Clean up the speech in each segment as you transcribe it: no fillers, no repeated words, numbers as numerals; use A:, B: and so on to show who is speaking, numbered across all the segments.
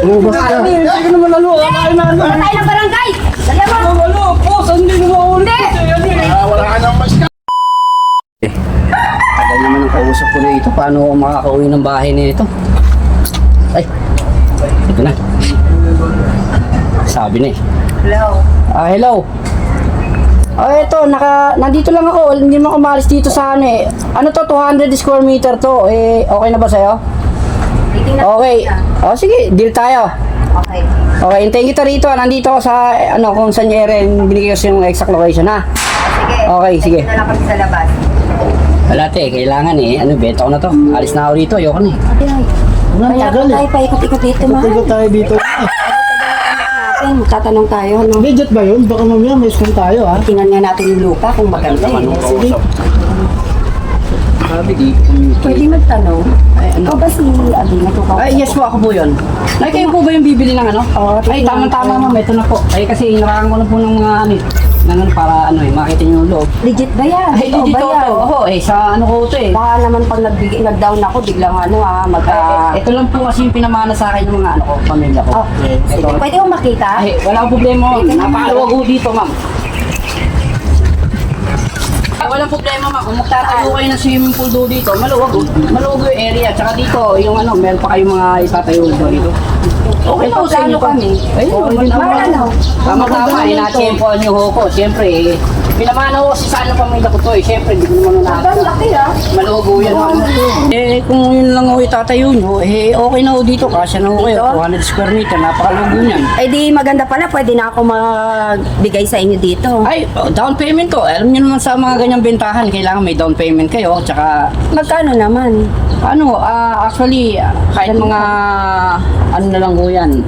A: Lumabas ka.
B: Hindi ka naman ano. Kakain na ano.
C: Tayo ng barangay! Dali mo!
B: Ano, boss, hindi naman ulit.
A: Wala ka nang mas ka.
D: Tagal naman ang kausap ko dito. Paano ako makakauwi ng bahay nito? Ay, ito na. Sabi na eh.
C: Hello.
D: Hello. Eto, nandito lang ako. Hindi mo ako maalis dito sa ano eh. Ano to, 200 square meter to. Okay na ba sa'yo? Okay. Sige, deal tayo.
C: Okay.
D: Okay, hintayin kita rito. Nandito ako sa, kung saan yung area, binigay ko sa yung exact location, ha?
C: Sige.
D: Okay, sige.
C: Na lang kami sa labas.
D: Wala te, kailangan eh. Benta ko na to. Alis na ako rito, ayoko na eh.
C: Kaya kung tayo paikot-ikot dito, mahal.
A: Tingnan tayo dito.
C: Natin, tatanong tayo, no?
A: Legit ba yun? Baka mamaya may school tayo, ha?
C: Tingnan nga natin yung lupa kung maganda eh. Sige.
D: Sabi di.
C: Pwede magtanong. Ikaw ba si Abing?
D: Yes po, ako po yun. Ay, kayo po ba yung bibili ng ano?
C: Oo,
D: Ay,
C: tingnan
D: tama-tama
C: ko.
D: ma'am, ito na po. Ay, kasi hinarangan ko na po ng mga para makita niyo yung loob.
C: Legit ba yan?
D: Ay,
C: Totoo
D: dito
C: ba yan?
D: Oo, sa ano ko ito eh.
C: Baka naman pag nag-down ako, biglang
D: Ito lang po kasi yung pinamana sa akin ng mga pamilya ko.
C: Okay, sige.
D: Ito.
C: Pwede ko makita?
D: Ay, wala akong problema. Napakaluwag ho dito, ma'am. Ay, walang problema, ma'am. Kung magtatayo kayo ng swimming pool doon dito, maluwag yung area. Tsaka dito, yung meron pa kayong mga itatayo dito. Okay na, sa inyo
C: kami.
D: Ay,
C: Ano?
D: Tama-tama, na-tempoan yung hoko. Siyempre, pinamana ko sa pamilya ko to eh. Siyempre, hindi ko naman
C: Ang
D: nakakita.
C: laki ah.
D: Maluwag yan, ma'am. Kung yun lang ako itatayo nyo, okay na ho dito. Kasya na ho kayo. 200 square meter, napakaluwag yan.
C: Eh di maganda pala, pwede na ako magbigay sa inyo dito.
D: Ay, down payment ko. Alam niyo naman sa mga ganyang bentahan, kailangan may down payment kayo. Tsaka,
C: Magkano naman?
D: actually, kahit mga, na lang ho yan,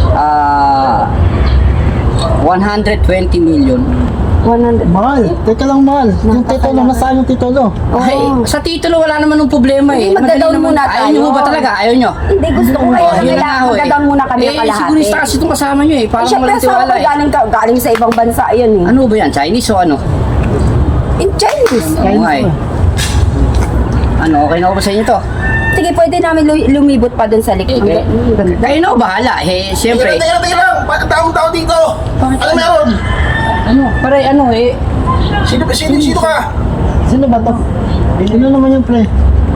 D: 120 million.
C: 100.
A: Mahal. Teka lang, mahal. Yung titulo, nasaan yung titulo?
D: Ay, sa titulo wala naman ng problema eh.
C: Hindi, magda-down
D: Madali naman.
C: muna
D: Ayaw nyo
C: tayo.
D: ho ba talaga? Ayaw nyo?
C: Hindi, gusto ko kayo.
D: Yun na nga ho eh.
C: Magda-down muna kami ng kalahati.
D: Sigurista kasi itong kasama nyo eh.
C: Eh,
D: Parang
C: syempre,
D: walang
C: sa
D: tiwala
C: ako
D: eh.
C: galing sa ibang bansa yun eh.
D: Ano ba yan? Chinese o ano?
C: In Chinese.
D: Oo nga eh. Okay na ho ba sa inyo to?
C: Sige, pwede namin lumibot pa dun sa likod.
D: Eh, kayo na ho bahala. Siyempre.
A: Teka lang. Taong-tao dito. Ano meron? Sino ka? Sino ba to? Sino naman yung pre?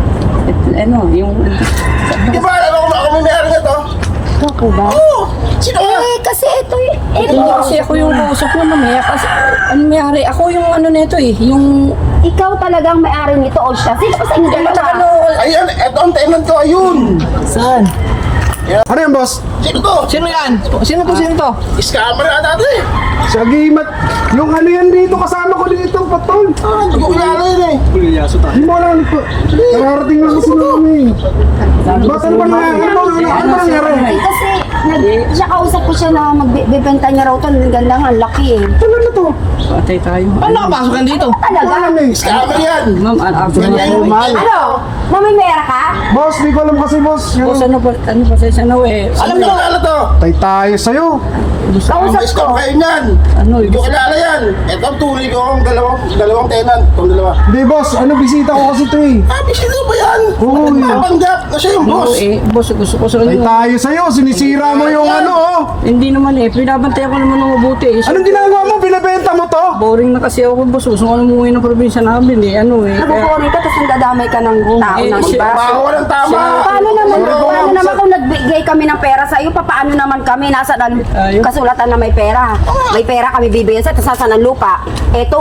D: Yung...
A: Di ba alam ako may meron na to?
C: Ako ba?
A: Oo! Sino ka?
C: Eh, kasi ito eh.
D: Hindi kasi ako yung kausap mo mamaya kasi mayari ako yung nito eh, yung
C: Ikaw talagang may-ari nito o siya. Sino kasi hindi
D: matagal
C: naman?
A: Ayan, eto ang tenant ko, ayun!
B: Saan?
A: Ano yan, boss? Sino to?
B: Sino yan? Sino to?
A: Scammer ata ito eh!
E: Sa gimat, yung ano yan dito, kasama ko dito, patol.
A: Hindi ko kilala yun eh!
E: Hindi mo alam po. Nararating lang kasi namin. Ba't ano ba nangyari? Ano ba nangyari?
C: Kasi siya kausap ko siya na magbibenta niya raw to. Ang ganda nga, ang laki eh.
E: Ano na to?
D: patay tayo.
B: Paano nakapasok yan dito?
C: Talaga?
E: Ano eh?
A: Scammer yan!
D: Ma'am, actually,
C: Ano? Mamimera ka?
E: Boss, di ko alam kasi boss.
D: boss, ano ba sa
A: Alam mo kilala to?
E: Tay tayo sa'yo.
C: Kausap
A: Ang
C: ko.
A: scam kayo yan! Hindi ko kilala yan! Ito ang tuloy ko ang dalawang tenant. Itong dalawa.
E: Hindi boss, bisita ko kasi ito eh.
A: Sino ba yan?
E: Oo, yun.
A: Nagpapanggap na siya yung boss!
D: boss, gusto ko sa
E: Tay tayo sa'yo, sinisira mo yung ano oh.
D: Hindi naman pinabantay ko naman ng mabuti.
E: Anong ginagawa mo? Binibenta mo to?
D: Boring na kasi ako, boss. Gusto ko umuwi ng probinsya namin
C: Nakukuha ka tapos nagdadamay ka ng tao ng iba.
A: Bago ka ng tama!
C: Paano naman kung nagbigay kami ng pera sa iyo, paano naman kami nasa kasulatan na may pera? May pera kami bibigyan sa tapos ng lupa. Eto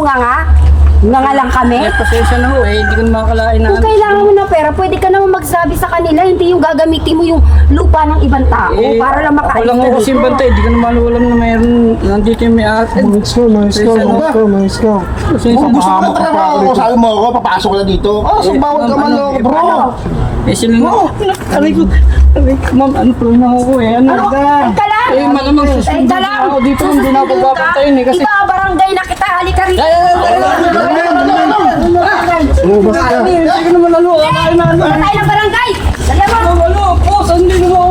C: nga lang kami.
D: Pasensya na ho hindi ko na makakalain na.
C: Kung kailangan mo ng pera, pwede ka naman magsabi sa kanila, hindi yung gagamitin mo yung lupa ng ibang tao para lang
D: Ako
C: makaalis
D: lang
C: ka
D: ako kasi bantay, di ko naman alam na mayroon nandito yung may ate.
E: Let's go.
A: Kung gusto mo na trabaho ko, sabi mo ako, papasok ka na dito. So bawal ka man ako, bro!
D: Sino na? Aray ko, ma'am, ano po na ako
C: Teka lang!
D: malamang susunod
C: Teka lang!
D: ako dito, hindi na ako papapayin kasi.
C: Iba, barangay na kita, halika rito!
E: Lumabas ka.
D: Hindi ko naman kakain na
C: Tayo ng barangay! Dali mo!
D: boss, hindi ko